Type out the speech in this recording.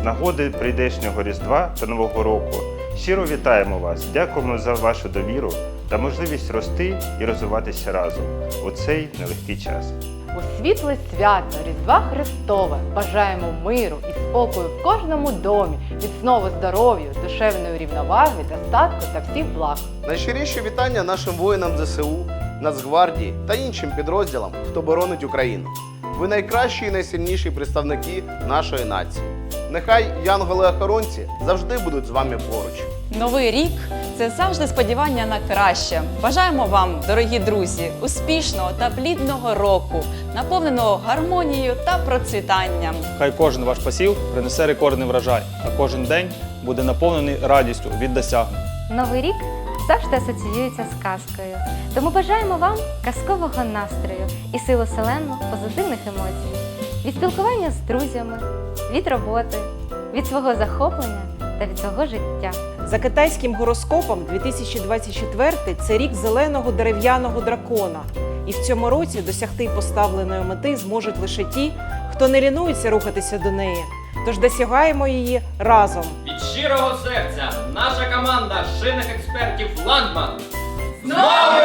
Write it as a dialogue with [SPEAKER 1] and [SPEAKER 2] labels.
[SPEAKER 1] З нагоди прийдешнього Різдва та Нового року щиро вітаємо вас, дякуємо за вашу довіру та можливість рости і розвиватися разом у цей нелегкий час.
[SPEAKER 2] У світле свято Різдва Христове бажаємо миру і спокою в кожному домі, міцного здоров'я, душевної рівноваги, достатку та всіх благ.
[SPEAKER 3] Найщиріші вітання нашим воїнам ЗСУ, Нацгвардії та іншим підрозділам, хто боронить Україну. Ви найкращі і найсильніші представники нашої нації. Нехай янголи-охоронці завжди будуть з вами поруч.
[SPEAKER 4] Новий рік – це завжди сподівання на краще. Бажаємо вам, дорогі друзі, успішного та плідного року, наповненого гармонією та процвітанням.
[SPEAKER 5] Хай кожен ваш посів принесе рекордний врожай, а кожен день буде наповнений радістю від досягнень.
[SPEAKER 6] Новий рік завжди асоціюється з казкою. Тому бажаємо вам казкового настрою і силу селену позитивних емоцій. Від спілкування з друзями, від роботи, від свого захоплення та від свого життя.
[SPEAKER 7] За китайським гороскопом 2024 – це рік зеленого дерев'яного дракона. І в цьому році досягти поставленої мети зможуть лише ті, хто не лінується рухатися до неї. Тож досягаємо її разом.
[SPEAKER 8] Від щирого серця наша команда шинних експертів «Ландман». З Новим